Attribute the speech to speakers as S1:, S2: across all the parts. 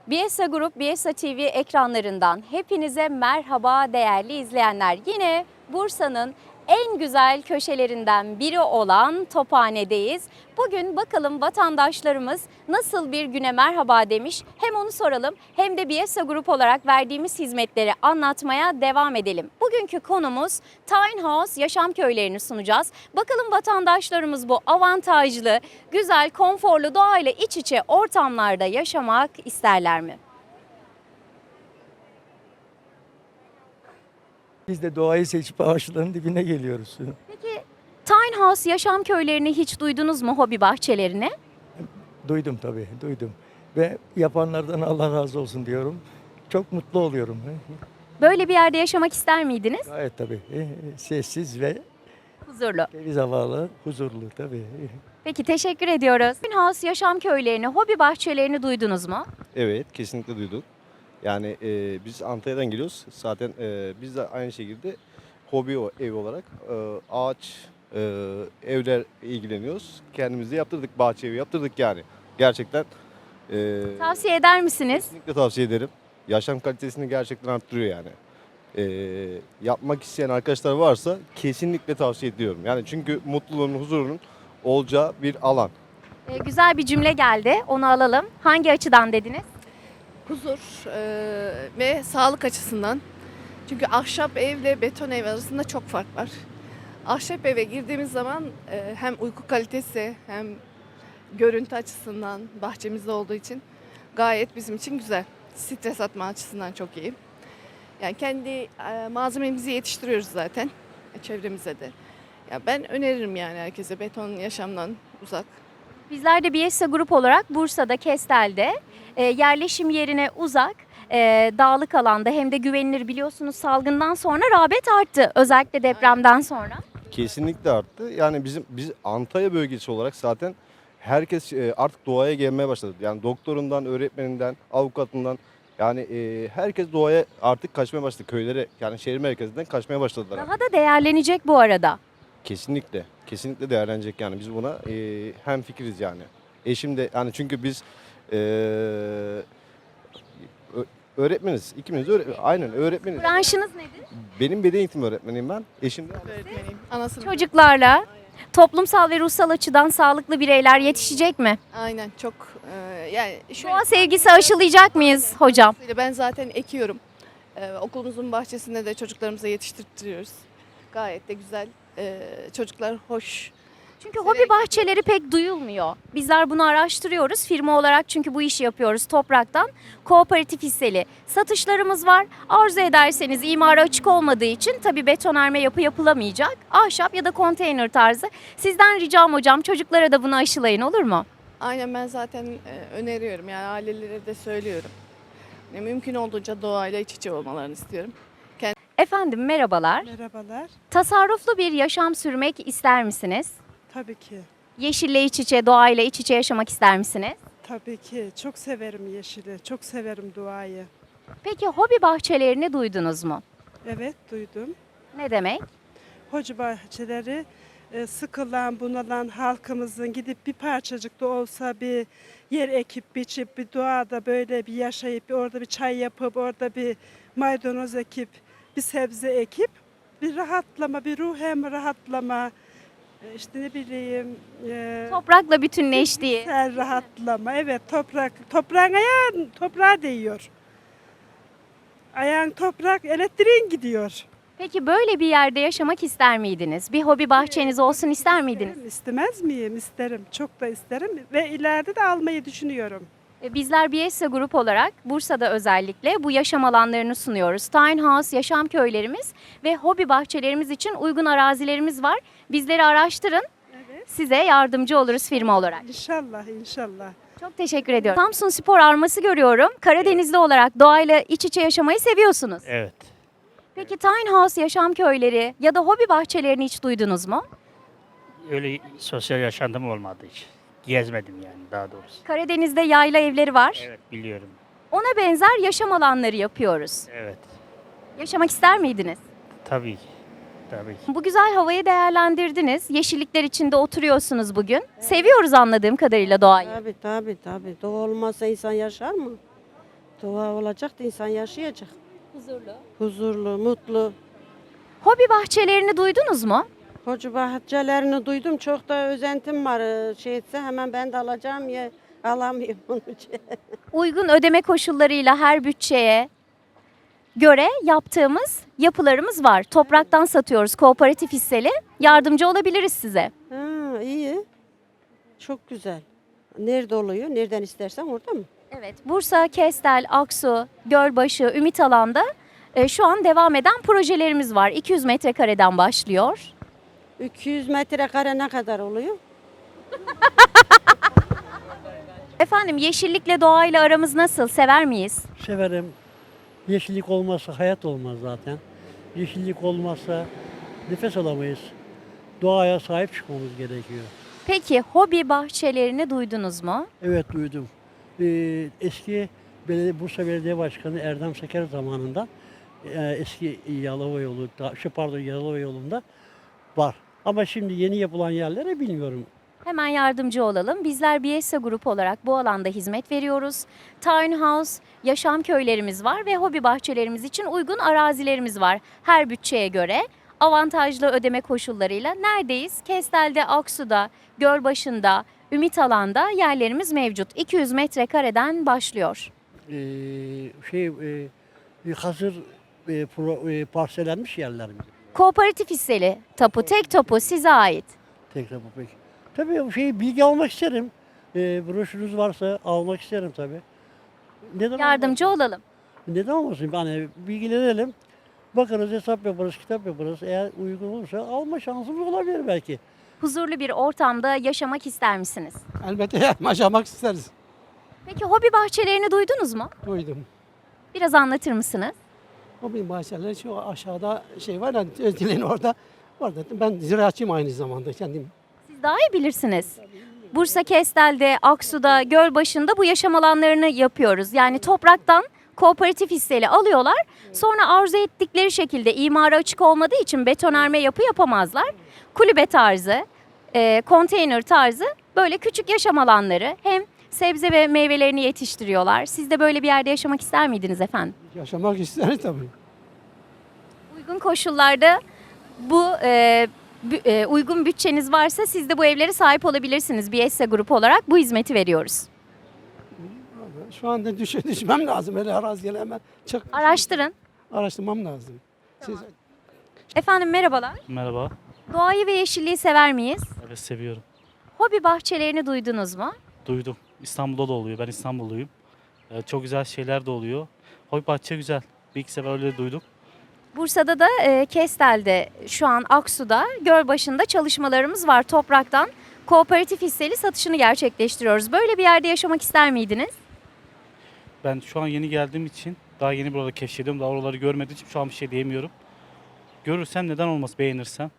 S1: Biesa Grup, Biesa TV ekranlarından hepinize merhaba değerli izleyenler. Yine Bursa'nın en güzel köşelerinden biri olan Tophane'deyiz. Bugün bakalım vatandaşlarımız nasıl bir güne merhaba demiş. Hem onu soralım hem de Biesa Grup olarak verdiğimiz hizmetleri anlatmaya devam edelim. Bugünkü konumuz Tiny House yaşam köylerini sunacağız. Bakalım vatandaşlarımız bu avantajlı, güzel, konforlu doğayla iç içe ortamlarda yaşamak isterler mi?
S2: Biz de doğayı seçip ağaçların dibine geliyoruz.
S1: Peki Tiny House yaşam köylerini hiç duydunuz mu, hobi bahçelerini?
S2: Duydum tabii, duydum. Ve yapanlardan Allah razı olsun diyorum. Çok mutlu oluyorum.
S1: Böyle bir yerde yaşamak ister miydiniz?
S2: Gayet tabii. Sessiz ve
S1: Huzurlu.
S2: temiz havalı, huzurlu tabii.
S1: Peki teşekkür ediyoruz. Tiny House yaşam köylerini, hobi bahçelerini duydunuz mu?
S3: Evet, kesinlikle duyduk. Yani biz Antalya'dan geliyoruz. Zaten biz de aynı şekilde ev olarak ağaç evler ilgileniyoruz. Kendimiz de yaptırdık, bahçe evi yaptırdık yani. Gerçekten
S1: Tavsiye eder misiniz?
S3: kesinlikle tavsiye ederim. Yaşam kalitesini gerçekten arttırıyor yani. Yapmak isteyen arkadaşlar varsa kesinlikle tavsiye ediyorum. Yani çünkü mutluluğun, huzurunun olacağı bir alan.
S1: Güzel bir cümle geldi. Onu alalım. Hangi açıdan dediniz?
S4: Huzur ve sağlık açısından. Çünkü ahşap evle beton ev arasında çok fark var. Ahşap eve girdiğimiz zaman hem uyku kalitesi hem görüntü açısından bahçemizde olduğu için gayet bizim için güzel. Stres atma açısından çok iyi. Yani kendi malzememizi yetiştiriyoruz zaten çevremize de. Ya ben öneririm yani herkese beton yaşamdan uzak.
S1: Bizler de Biesa Grup olarak Bursa'da, Kestel'de yerleşim yerine uzak, dağlık alanda hem de güvenilir, biliyorsunuz salgından sonra rağbet arttı. Özellikle depremden sonra.
S3: Kesinlikle arttı. Yani biz Antalya bölgesi olarak zaten herkes artık doğaya gelmeye başladı. Yani doktorundan, öğretmeninden, avukatından yani herkes doğaya artık kaçmaya başladı. Köylere yani şehir merkezinden kaçmaya başladılar.
S1: Daha da değerlenecek bu arada.
S3: Kesinlikle. Kesinlikle değerlenecek yani. Biz buna hemfikiriz yani. Eşim de yani çünkü biz öğretmeniz. İkimiz de aynen öğretmeniz.
S1: Branşınız nedir?
S3: Benim beden eğitimi öğretmeniyim ben. Eşim de
S4: Öğretmeniyim. Anasını.
S1: Çocuklarla toplumsal ve ruhsal açıdan sağlıklı bireyler yetişecek mi?
S4: Aynen çok yani şöyle.
S1: Doğa sevgisi aşılayacak mıyız hocam?
S4: Ben zaten ekiyorum. Okulumuzun bahçesinde de çocuklarımıza yetiştiriyoruz. Gayet de güzel. Çocuklar hoş.
S1: Çünkü hobi bahçeleri pek duyulmuyor. Bizler bunu araştırıyoruz. Firma olarak çünkü bu işi yapıyoruz topraktan. Kooperatif hisseli satışlarımız var. Arzu ederseniz imara açık olmadığı için tabii betonarme yapı yapılamayacak. Ahşap ya da konteyner tarzı. Sizden ricam hocam, çocuklara da bunu aşılayın, olur mu?
S4: Aynen ben zaten öneriyorum yani ailelere de söylüyorum. Mümkün olduğunca doğayla iç içe olmalarını istiyorum.
S1: Efendim merhabalar.
S5: Merhabalar.
S1: Tasarruflu bir yaşam sürmek ister misiniz?
S5: Tabii ki.
S1: Yeşille iç içe, doğayla iç içe yaşamak ister misiniz?
S5: Tabii ki. Çok severim yeşili. Çok severim doğayı.
S1: Peki hobi bahçelerini duydunuz mu?
S5: Evet, duydum.
S1: Ne demek?
S5: Hoca bahçeleri sıkılan, bunalan halkımızın gidip bir parçacık da olsa bir yer ekip, biçip, bir doğada böyle bir yaşayıp, bir orada bir çay yapıp, orada bir maydanoz ekip, bir sebze ekip, bir rahatlama, bir ruhen rahatlama, işte ne bileyim,
S1: Toprakla bütünleştiği.
S5: Sen rahatlama. Evet, toprağın ayağın toprağa değiyor. Ayağın toprak, elektriğin gidiyor.
S1: Peki böyle bir yerde yaşamak ister miydiniz? Bir hobi bahçeniz olsun ister miydiniz?
S5: İstemez miyim? İsterim. Çok da isterim ve ileride de almayı düşünüyorum.
S1: Bizler Biesa Grup olarak Bursa'da özellikle bu yaşam alanlarını sunuyoruz. Tiny House yaşam köylerimiz ve hobi bahçelerimiz için uygun arazilerimiz var. Bizleri araştırın.
S5: Evet.
S1: Size yardımcı oluruz firma olarak.
S5: İnşallah, inşallah.
S1: Çok teşekkür ediyorum. Samsun Spor arması görüyorum. Karadenizli olarak doğayla iç içe yaşamayı seviyorsunuz.
S6: Evet.
S1: Peki Tiny House yaşam köyleri ya da hobi bahçelerini hiç duydunuz mu?
S6: Öyle sosyal yaşantım olmadı hiç. Gezmedim yani daha doğrusu.
S1: Karadeniz'de yayla evleri var.
S6: Evet biliyorum.
S1: Ona benzer yaşam alanları yapıyoruz.
S6: Evet.
S1: Yaşamak ister miydiniz?
S6: Tabii ki. Tabii ki.
S1: Bu güzel havayı değerlendirdiniz. Yeşillikler içinde oturuyorsunuz bugün. Seviyoruz anladığım kadarıyla doğayı.
S7: Tabii. Doğa olmazsa insan yaşar mı? Doğa olacak da insan yaşayacak.
S1: Huzurlu.
S7: Huzurlu, mutlu.
S1: Hobi bahçelerini duydunuz mu?
S7: Hoca bahçelerini duydum. Çok da özentim var. Şey etse hemen ben de alacağım ya alamıyorum onun için.
S1: Uygun ödeme koşullarıyla her bütçeye göre yaptığımız yapılarımız var. Topraktan satıyoruz, kooperatif hisseli. Yardımcı olabiliriz size.
S7: Ha, iyi. Çok güzel. Nerede oluyor? Nereden istersen orada mı?
S1: Evet, Bursa, Kestel, Aksu, Gölbaşı, Ümitalan'da şu an devam eden projelerimiz var. 200 metrekareden başlıyor.
S7: 200 metrekare ne kadar oluyor?
S1: Efendim yeşillikle doğayla aramız nasıl? Sever miyiz?
S8: Severim. Yeşillik olmazsa hayat olmaz zaten. Yeşillik olmazsa nefes alamayız. Doğaya sahip çıkmamız gerekiyor.
S1: Peki hobi bahçelerini duydunuz mu?
S8: Evet duydum. Eski Bursa Belediye Başkanı Erdem Seker zamanında eski Yalova yolu, Yalova yolunda var. Ama şimdi yeni yapılan yerlere bilmiyorum.
S1: Hemen yardımcı olalım. Bizler BSA Grup olarak bu alanda hizmet veriyoruz. Townhouse, yaşam köylerimiz var ve hobi bahçelerimiz için uygun arazilerimiz var. Her bütçeye göre avantajlı ödeme koşullarıyla neredeyiz? Kestel'de, Aksu'da, Gölbaşı'nda, Ümitalan'da yerlerimiz mevcut. 200 metrekareden başlıyor.
S8: Hazır parsellenmiş yerler mi?
S1: Kooperatif hisseli tapu, tek tapu size ait.
S8: Tekrar bu peki. Tabii bilgi almak isterim. Broşürünüz varsa almak isterim tabii. Neden
S1: Yardımcı
S8: olmasın?
S1: olalım.
S8: Neden olmasın? Yani bilgilenelim. Bakarız, hesap yaparız, kitap yaparız. Eğer uygun olursa alma şansımız olabilir belki.
S1: Huzurlu bir ortamda yaşamak ister misiniz?
S9: Elbette yaşamak isteriz.
S1: Peki hobi bahçelerini duydunuz mu?
S9: Duydum.
S1: Biraz anlatır mısınız?
S9: O bir bahçeler şu aşağıda şey var ya Özdile'nin orada. Orada ben ziraatçıyım aynı zamanda kendim.
S1: Siz daha iyi bilirsiniz. Bursa Kestel'de, Aksu'da, Gölbaşı'nda bu yaşam alanlarını yapıyoruz. Yani topraktan kooperatif hisseli alıyorlar. Sonra arzu ettikleri şekilde imara açık olmadığı için betonarme yapı yapamazlar. Kulübe tarzı, konteyner tarzı böyle küçük yaşam alanları hem sebze ve meyvelerini yetiştiriyorlar. Siz de böyle bir yerde yaşamak ister miydiniz efendim?
S9: Yaşamak isteriz tabii.
S1: Uygun koşullarda uygun bütçeniz varsa siz de bu evlere sahip olabilirsiniz. BSA Grup olarak bu hizmeti veriyoruz.
S9: Şu anda düşmem lazım. Öyle araziye hemen
S1: Araştırın.
S9: araştırmam lazım. Siz
S1: Efendim merhabalar.
S6: Merhaba.
S1: Doğayı ve yeşilliği sever miyiz?
S6: Evet seviyorum.
S1: Hobi bahçelerini duydunuz mu?
S6: Duydum. İstanbul'da da oluyor. Ben İstanbulluyum. Çok güzel şeyler de oluyor. Hobi bahçe güzel. Bir iki sefer öyle duyduk.
S1: Bursa'da da Kestel'de, şu an Aksu'da, Gölbaşı'nda çalışmalarımız var. Topraktan kooperatif hisseli satışını gerçekleştiriyoruz. Böyle bir yerde yaşamak ister miydiniz?
S6: Ben şu an yeni geldiğim için daha yeni burada keşfediyorum. Daha oraları görmediğim için şu an bir şey diyemiyorum. Görürsem neden olmaz beğenirsem.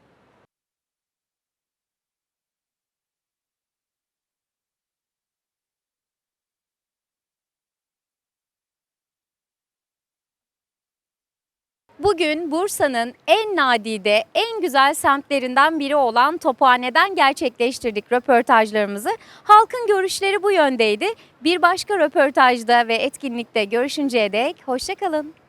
S1: Bugün Bursa'nın en nadide, en güzel semtlerinden biri olan Tophane'den gerçekleştirdik röportajlarımızı. Halkın görüşleri bu yöndeydi. Bir başka röportajda ve etkinlikte görüşünceye dek hoşça kalın.